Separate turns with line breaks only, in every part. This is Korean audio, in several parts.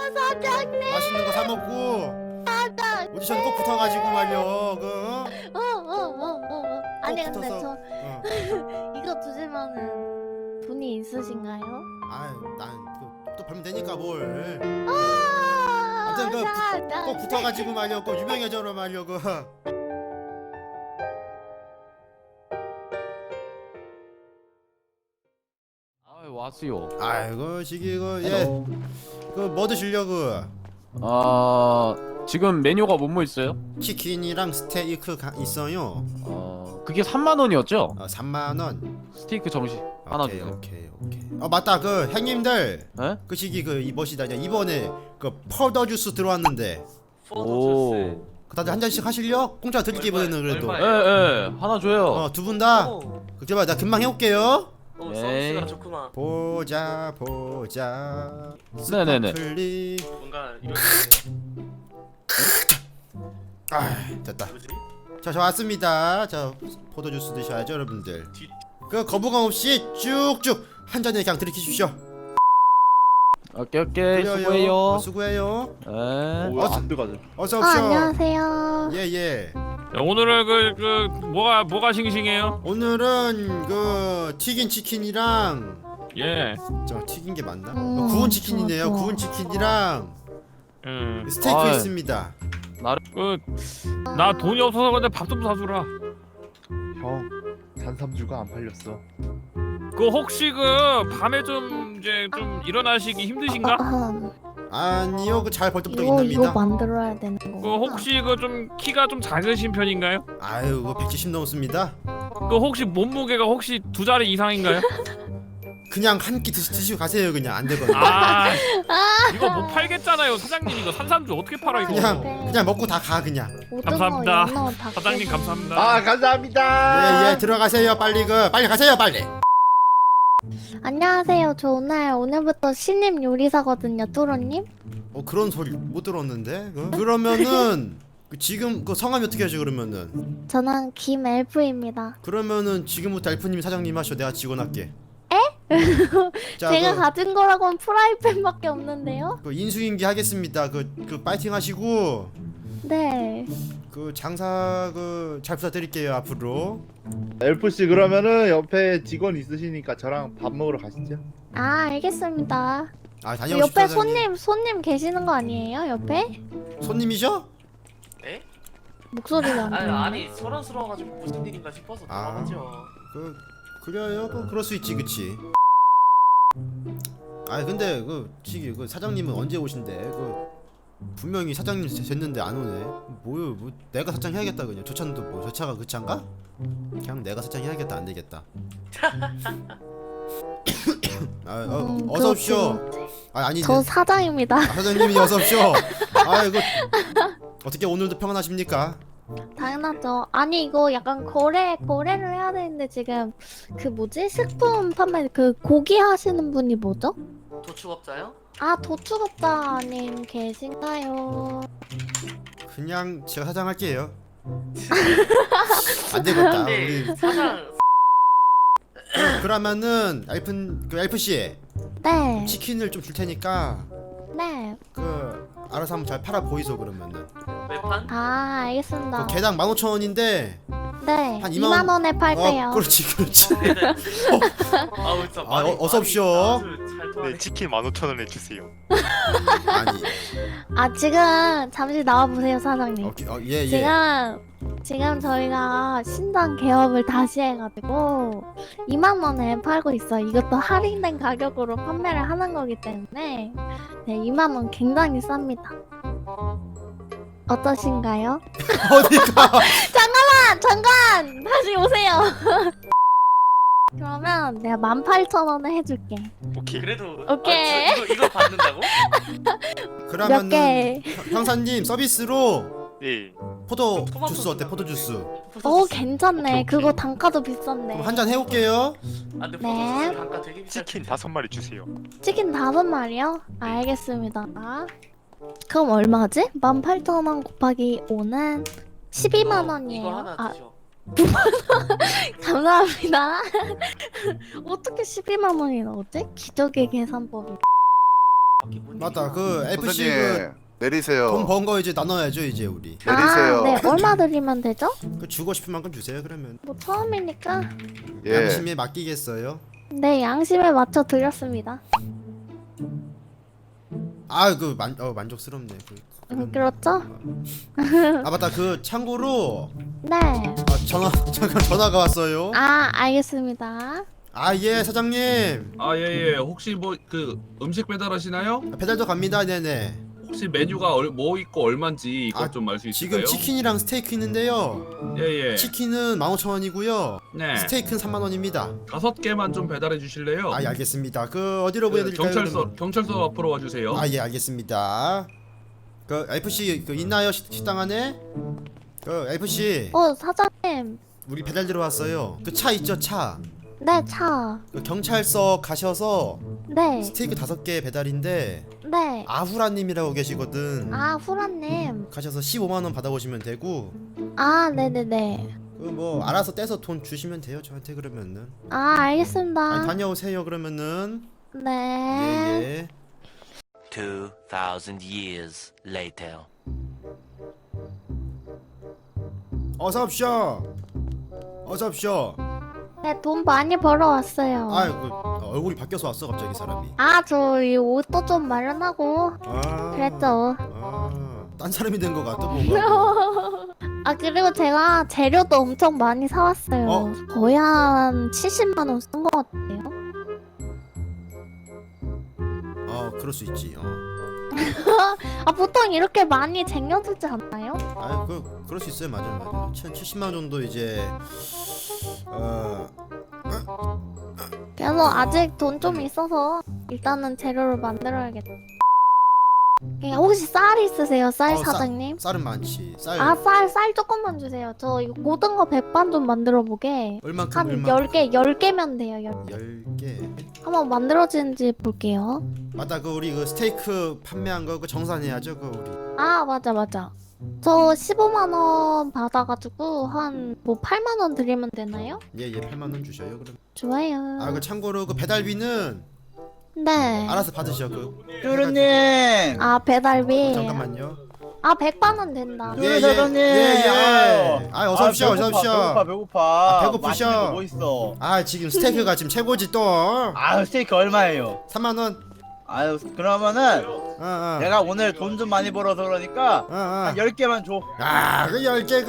사장님.
맛있는 거 사 먹고
사장.
오디션 꼭 붙어가지고 말려.
아니 근데
붙어서.
저 이거 두시면은 돈이 있으신가요?
난또 벌면 되니까 뭘.
아,
아무튼
사장.
꼭 붙어가지고 말려. 꼭 유명해져라 말려.
왔어요.
아이고 시기 뭐 드시려고?
지금 메뉴가 뭐뭐 있어요?
치킨이랑 스테이크 있어요.
그게 3만 원이었죠?
3만 원.
스테이크 정식 하나
오케이
주세요.
오케이. 맞다 그 형님들.
에?
그 시기 이 멋이다. 이번에 그 포도 주스 들어왔는데.
오.
그 다들 한 잔씩 하실려? 공짜 드릴게 이번에는 그래도.
예, 하나 줘요.
두 분 다. 그래 나 금방 해올게요.
서비스가 좋구만.
보자.
네네네.
스파클리.
뭔가 이런
됐다.
뭐지?
저 왔습니다. 자 포도 주스 드셔야죠 여러분들. 그 거부감 없이 쭉쭉 한 잔에 그냥 들이키십시오.
오케이
그래요.
수고해요.
수고해요.
예.
뭐야 안 들어가죠.
어서 오십시오.
안녕하세요.
예.
야, 오늘은 뭐가 싱싱해요?
오늘은 그 튀긴 치킨이랑
예.
저 튀긴 게 맞나?
좋아,
구운 치킨이네요.
좋아.
구운 치킨이랑 스테이크
아이.
있습니다.
나 돈이 없어서 근데 밥 좀 사주라.
형 산삼주가 안 팔렸어.
혹시 밤에 좀 일어나시기 힘드신가?
아니요, 그 잘 벌떡벌떡
이거
있답니다.
만들어야 되는 거.
혹시 좀 키가 좀 작으신 편인가요?
아유, 그 170 넘습니다.
혹시 몸무게가 혹시 2자리 이상인가요?
그냥 한 끼 드시고 가세요. 그냥 안 되거든요.
이거 못 팔겠잖아요, 사장님. 이거 산삼주 어떻게 팔아 이거?
그냥 먹고 다 가 그냥.
감사합니다. 사장님 감사합니다.
아 감사합니다.
예, 들어가세요. 빨리 가세요, 빨리.
안녕하세요. 저 오늘부터 신임 요리사거든요, 뚜로님.
그런 소리 못 들었는데. 그러면은 지금 성함이 어떻게 하죠?
저는 김엘프입니다.
그러면은 지금부터 엘프님 사장님 하셔. 내가 직원 할게. 자,
제가 가진 거라고는 프라이팬밖에 없는데요.
인수인계 하겠습니다. 파이팅 하시고
네.
장사 잘 부탁드릴게요 앞으로.
엘프 씨 그러면은 옆에 직원 있으시니까 저랑 밥 먹으러 가시죠.
알겠습니다.
다녀오십시오.
옆에
사장님.
손님 계시는 거 아니에요? 옆에?
손님이죠?
에?
목소리가 안 들리네.
아니 소란스러워가지고 무슨 일인가 싶어서 당황하죠.
그래요. 그럴 수 있지, 그치? 근데 사장님은 언제 오신대? 분명히 사장님 쟀는데 안 오네. 내가 사장 해야겠다 그냥. 저 차도 저 차가 그 차인가? 그냥 내가 사장 해야겠다. 안 되겠다. 어서 오십시오. 아니
저 사장입니다.
사장님이 어서 오십시오. 어떻게 오늘도 평안하십니까?
당연하죠. 아니 이거 약간 거래를 해야 되는데 지금 식품 판매 고기 하시는 분이 뭐죠?
도축업자요?
도축업자님 계신가요?
그냥 제가 사장 할게요. 안 되겠다. 우리
사장
그러면은 엘프 씨
네.
치킨을 좀 줄 테니까
네.
알아서 한번 잘 팔아 보이소 그러면은.
외판?
알겠습니다.
개당 15,000원인데
네.
한
2만 원에 팔게요.
그렇지.
아우 진짜
어서 오십시오.
네,
치킨 15,000원에 주세요.
아니.
지금 잠시 나와 보세요, 사장님.
예.
지금 저희가 신상 개업을 다시 해가지고 2만 원에 팔고 있어요. 이것도 할인된 가격으로 판매를 하는 거기 때문에 2만 원 굉장히 쌉니다. 어떠신가요?
어디가?
잠깐! 다시 오세요. 그러면 내가 18,000원에 해줄게.
오케이.
그래도
오케이.
이거 받는다고?
몇
그러면은
개?
형사님 서비스로
네.
포도
토마토
주스 어때?
주스.
포도 주스.
오 괜찮네.
오케이.
그거 단가도 비싼데.
그럼 한 잔 해올게요.
근데
네.
포도주스 단가 되게 비쌀
치킨
텐데.
5마리 주세요.
치킨 5마리요? 알겠습니다. 그럼 얼마지? 18,000원 곱하기 5는 12만
이거
원이에요.
하나 드셔.
감사합니다. 어떻게 12만 원이 나오지? 기적의 계산법이.
맞다. 그 FC
선생님 내리세요.
돈 번 거 이제 나눠야죠 이제 우리.
내리세요.
아, 네. 얼마 드리면 되죠?
그 주고 싶은 만큼 주세요 그러면.
뭐 처음이니까.
예.
양심에 맡기겠어요.
네, 양심에 맞춰 드렸습니다.
만족스럽네.
그렇죠?
아 맞다. 그 참고로
네.
잠깐 전화가 왔어요.
아, 알겠습니다.
아 예 사장님.
아 예예. 혹시 뭐 그 음식 배달하시나요?
배달도 갑니다. 네네.
혹시 메뉴가 뭐 있고 얼마인지 이것
아,
좀 알 수 있을까요?
지금 치킨이랑 스테이크 있는데요.
예예.
치킨은 15,000원이고요.
네.
스테이크는 30,000원입니다.
5개만 좀 배달해 주실래요?
아 예, 알겠습니다. 그 어디로 보내드릴까요?
경찰서 앞으로 와주세요.
아 예 알겠습니다. 그 FC 그 있나요 식당 안에? 그 FC
사장님.
우리 배달 들어왔어요. 그 차 있죠 차.
네, 차.
그 경찰서 가셔서
네.
스테이크 5개 배달인데
네.
아후라님이라고 계시거든.
아, 후라님.
가셔서 15만 원 받아오시면 되고
아, 네네네.
그 뭐 알아서 떼서 돈 주시면 돼요 저한테 그러면은.
아, 알겠습니다.
아니, 다녀오세요 그러면은.
네.
예.
2,000 years later.
어서 오십시오. 어서 오십시오.
네, 돈 많이 벌어왔어요.
얼굴이 바뀌어서 왔어 갑자기 사람이.
아, 저 이 옷도 좀 마련하고
아.
그랬죠.
딴 사람이 된 것 같아 뭔가.
아, 그리고 제가 재료도 엄청 많이 사왔어요.
어?
거의 한 70만 원 쓴 것 같아요.
그럴 수 있지.
아, 보통 이렇게 많이 쟁여두지 않나요?
그럴 수 있어요. 맞아. 70만 원 정도 이제
그래서 아직 돈 좀 있어서 일단은 재료를 만들어야겠다. 혹시 쌀 있으세요? 쌀 사장님?
쌀은 많지.
아, 쌀 조금만 주세요. 저 이거 고등어 백반 좀 만들어 보게.
얼만큼
한 10개면 돼요.
10개.
한번 만들어지는지 볼게요.
맞다. 그 우리 그 스테이크 판매한 거 그 정산해야죠. 그 우리.
아, 맞아. 저 15만 원 받아가지고 한 뭐 8만 원 드리면 되나요?
예 8만 원 주셔요. 그럼.
좋아요.
그 참고로 그 배달비는
네.
알아서 받으셔. 그
뚜루님.
아, 배달비.
잠깐만요.
아, 100만 원 된다.
뚜루 사장님.
예. 어서 오십시오. 어서 오십시오.
배고파.
배고프셔.
맛있는 거뭐 있어?
지금 스테이크가 지금 최고지 또.
스테이크 얼마예요?
3만 원.
그러면은
어.
내가 오늘 돈 좀 많이 벌어서 그러니까 한 10개만 줘.
그 10개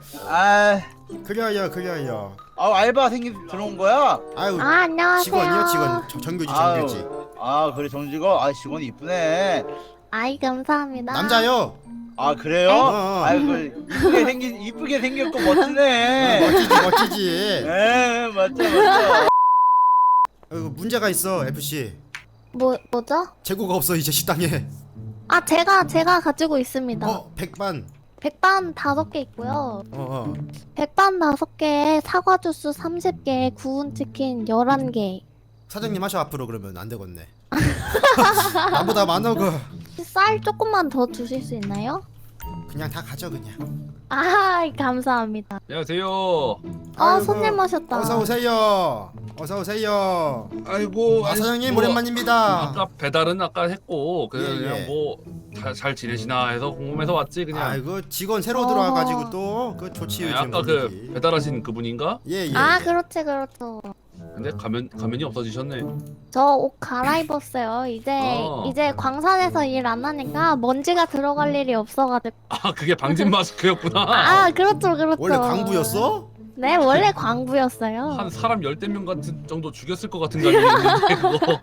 그려요.
알바 들어온 거야?
아유.
아, 안녕하세요.
직원. 정규직.
그래 정직원. 직원이 이쁘네.
아이, 감사합니다.
남자요.
그래요?
어.
이쁘게 생겼고 멋지네.
멋지지.
네, 맞죠.
문제가 있어, FC.
뭐죠?
재고가 없어 이제 식당에.
아, 제가 가지고 있습니다.
백반.
백반 5개 있고요. 백반 5개에 사과 주스 30개, 구운 치킨 11개.
사장님 하셔 앞으로. 그러면 안 되겠네. 나보다 많어.
쌀 조금만 더 주실 수 있나요?
그냥 다 가져 그냥.
아, 감사합니다.
안녕하세요.
손님 오셨다.
어서 오세요.
아이고.
사장님
뭐,
오랜만입니다.
아까 배달은 아까 했고 그냥
예.
뭐 잘 지내시나 해서 궁금해서 왔지 그냥.
직원 새로 들어와가지고 또 그 좋지.
네,
요즘
아까
분위기.
그 배달하신 그분인가?
예.
아, 그렇죠.
근데 가면이 없어지셨네.
저 옷 갈아입었어요. 이제 광산에서 일 안 하니까 먼지가 들어갈 일이 없어가지고.
아 그게 방진 마스크였구나.
아, 그렇죠.
원래 광부였어?
네, 원래 광부였어요.
한 사람 10명 같은 정도 죽였을 것 같은 감이 있는데 그거.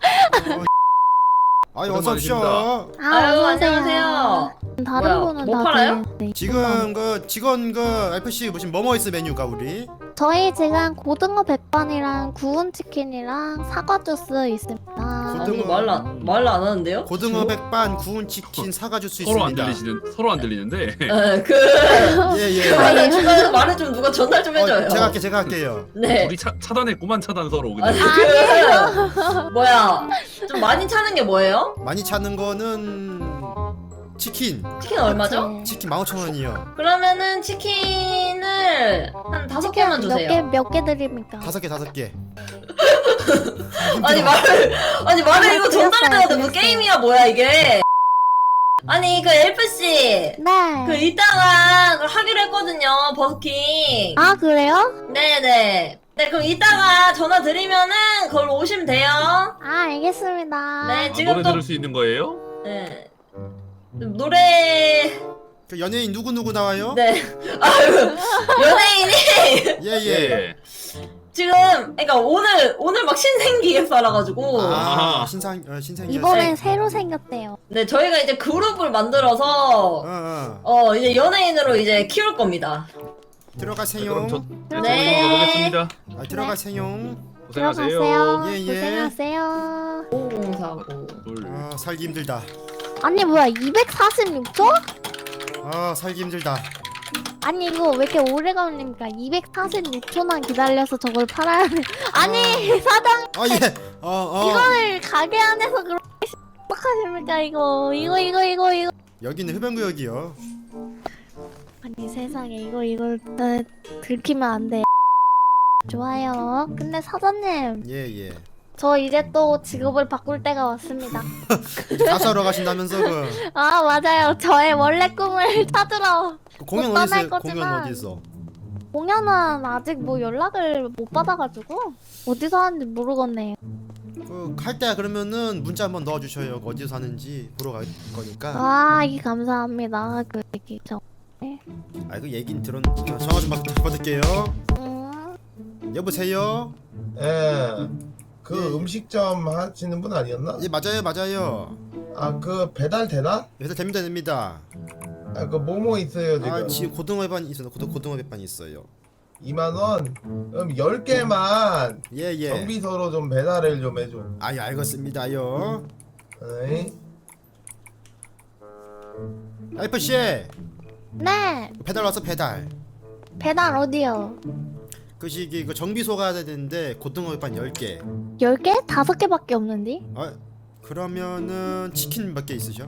어서 오십시오.
아유,
안녕하세요.
다른
뭐야,
분은
뭐
다
팔아요?
되는데.
지금 그 직원 FC 무슨 뭐뭐 있어 메뉴가 우리?
저희 지금 고등어 백반이랑 구운 치킨이랑 사과 주스 있습니다.
아니 말 안 하는데요?
고등어 백반, 구운 치킨, 사과 주스
서로 안
있습니다.
서로 안 들리는데.
예.
아니 중간에 말을 좀 누가 전달 좀 해줘요.
제가 할게요.
네.
우리 차단했구만 차단 서로. 그냥.
아니 뭐야? 좀 많이 차는 게 뭐예요?
많이 찾는 거는 치킨
얼마죠?
치킨 15,000원이요.
그러면은 치킨을 한 5개만 주세요.
몇 개 드립니까?
5개.
아니 말을 이거 전달해야 돼. 뭐 게임이야 뭐야 이게. 아니 그 엘프 씨.
네.
그 이따가 그걸 하기로 했거든요. 버스킹.
아, 그래요?
네네. 네 그럼 이따가 전화 드리면은 걸로 오시면 돼요.
아, 알겠습니다.
네
아,
지금
노래
또
들을 수 있는 거예요?
네. 노래
그 연예인 누구 나와요?
네. 아유 연예인이
예예.
지금 그러니까 오늘 막 신생기획사라 가지고
아 신생이.
이번엔 새로 생겼대요.
네 저희가 이제 그룹을 만들어서 이제 연예인으로 이제 키울 겁니다.
들어가세요.
그럼 저
네.
가보겠습니다.
아, 들어가세요.
고생하세요.
들어가세요.
예, 예.
고생하세요.
5049.
둘.
아 살기 힘들다.
아니, 뭐야, 246초?
아 살기 힘들다.
아니, 이거 왜 이렇게 오래 걸립니까? 246초만 기다려서 저걸 팔아야 돼. 아니, 사장,
아 예.
이거를 가게 안에서 그렇게 어떡하십니까, 이거.
여기는 흡연구역이요.
아니, 세상에, 이걸 들키면 안 돼. 좋아요. 근데 사장님,
예예.
저 이제 또 직업을 바꿀 때가 왔습니다.
가수하러 가신다면서 그
아, 맞아요. 저의 원래 꿈을 찾으러.
공연
못
어디
떠날
있어요? 공연
거지만.
어디 있어?
공연은 아직 뭐 연락을 못 받아가지고 어디서 하는지 모르겠네요.
그갈 때 그러면은 문자 한번 넣어주셔요. 어디서 사는지 보러 갈 거니까.
아, 이 감사합니다. 그 얘기 저.
그 얘긴 전화 좀 받을게요. 여보세요.
예, 그 음식점 하시는 분 아니었나?
예 맞아요.
아, 그 배달 되나?
그래서 됩니다.
아, 그 뭐뭐 있어요 지금?
아 지금 고등어 회반이 있어요. 고등어 회반이 있어요.
2만 원. 그럼 10개만
예예.
정비서로 좀 배달을 좀 해줘.
아유 알겠습니다요.
에이?
알프 씨
네.
배달 와서 배달.
배달 어디요?
그 시기 그 정비소 가야 되는데 고등어 회반 10개.
10개? 5개밖에 없는데?
아 그러면은 치킨 몇 개 있으셔?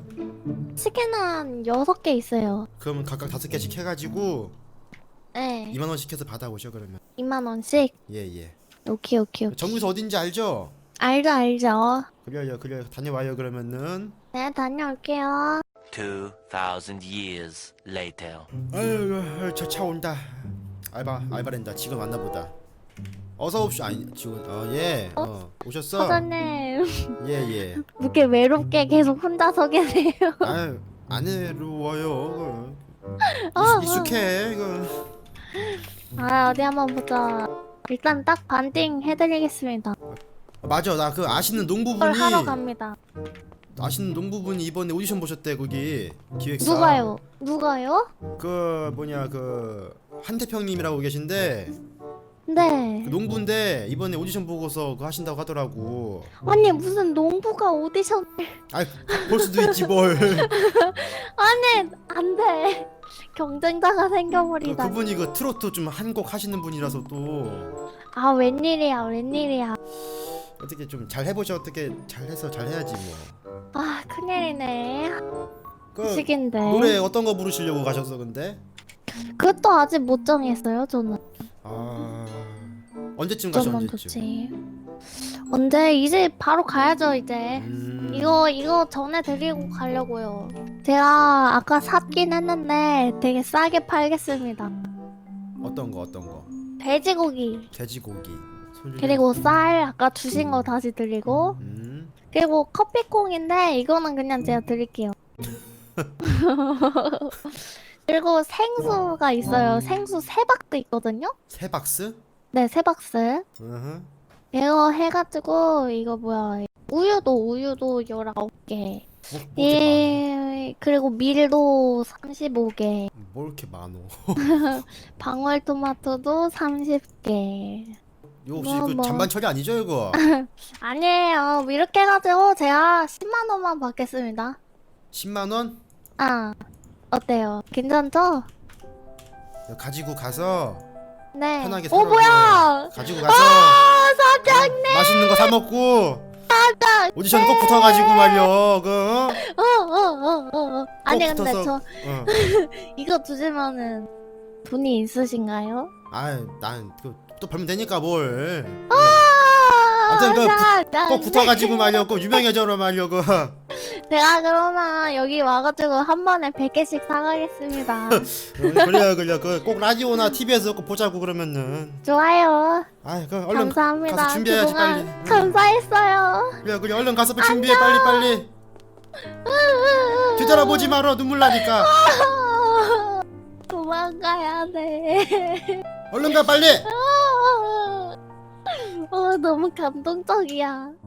치킨은 6개 있어요.
그러면 각각 5개씩 해가지고
네.
2만 원씩 해서 받아오셔 그러면.
2만원씩?
예예.
오케이.
정비소 어딘지 알죠?
알죠.
그래요 다녀와요 그러면은.
네, 다녀올게요.
2,000 years later.
아유 저 차 온다. 알바랜다. 직원 왔나보다. 어서 옵쇼. 아니 직원. 예. 오셨어?
사장님,
예예.
이렇게 외롭게 계속 혼자서 계세요.
아유 안 외로워요.
어,
익숙해 이거.
아, 어디 한번 보자. 일단 딱 반띵 해드리겠습니다.
맞아 나 그 아시는
그걸
농부분이
하러 갑니다.
아시는 농부분이 이번에 오디션 보셨대 거기 기획사.
누가요?
그 뭐냐 그 한태평님이라고 계신데
네.
그 농부인데 이번에 오디션 보고서 그거 하신다고 하더라고.
아니, 무슨 농부가 오디션.
볼 수도 있지 뭘.
아니, 안 돼. 경쟁자가 생겨버리다.
그분이 그 트로트 좀 한 곡 하시는 분이라서 또
아, 웬일이야.
어떻게 좀 잘 해보셔. 어떻게 잘해서 잘 해야지 뭐.
아, 큰일이네.
그
식인데.
노래 어떤 거 부르시려고 가셨어 근데?
그것도 아직 못 정했어요, 저는.
아 언제쯤 가셔
좀만
언제쯤?
좋지. 언제? 이제 바로 가야죠, 이제. 이거 전해드리고 가려고요. 제가 아까 샀긴 했는데 되게 싸게 팔겠습니다.
어떤 거?
돼지고기.
돼지고기.
그리고 쌀 아까 주신 거 다시 드리고. 그리고 커피콩인데 이거는 그냥 제가 드릴게요. 그리고 생수가 있어요. 생수 3박스 있거든요?
3박스?
네, 3박스. 이거 해가지고 이거 뭐야, 우유도 19개. 그리고 밀도 35개.
뭐 이렇게 많어?
방울토마토도 30개.
이거 혹시
뭐,
그
뭐.
잔반 처리 아니죠 이거?
아니에요. 이렇게 해가지고 제가 10만 원만 받겠습니다.
10만 원?
아, 어때요? 괜찮죠?
가지고 가서
네.
편하게
오,
살아요.
뭐야?
가지고 가서
아, 사장님.
맛있는 거 사 먹고 오디션 꼭 붙어가지고 말이야 그.
아니,
꼭
근데
붙어서,
저 이거 주시면은 돈이 있으신가요?
난 또 벌면 되니까 뭘. 하여튼
자,
꼭 붙어가지고 말려고 유명해져라 말려고.
제가 그러면 여기 와가지고 한 번에 100개씩 사가겠습니다.
그래요. 꼭 라디오나 TV에서 꼭 보자고 그러면은.
좋아요.
아이 그 얼른
감사합니다.
가서 준비해야지
그동안
빨리.
감사했어요.
그래 얼른 가서 준비해 빨리. 뒤돌아보지 마라 눈물 나니까.
도망가야 돼.
얼른 가 빨리.
너무 감동적이야.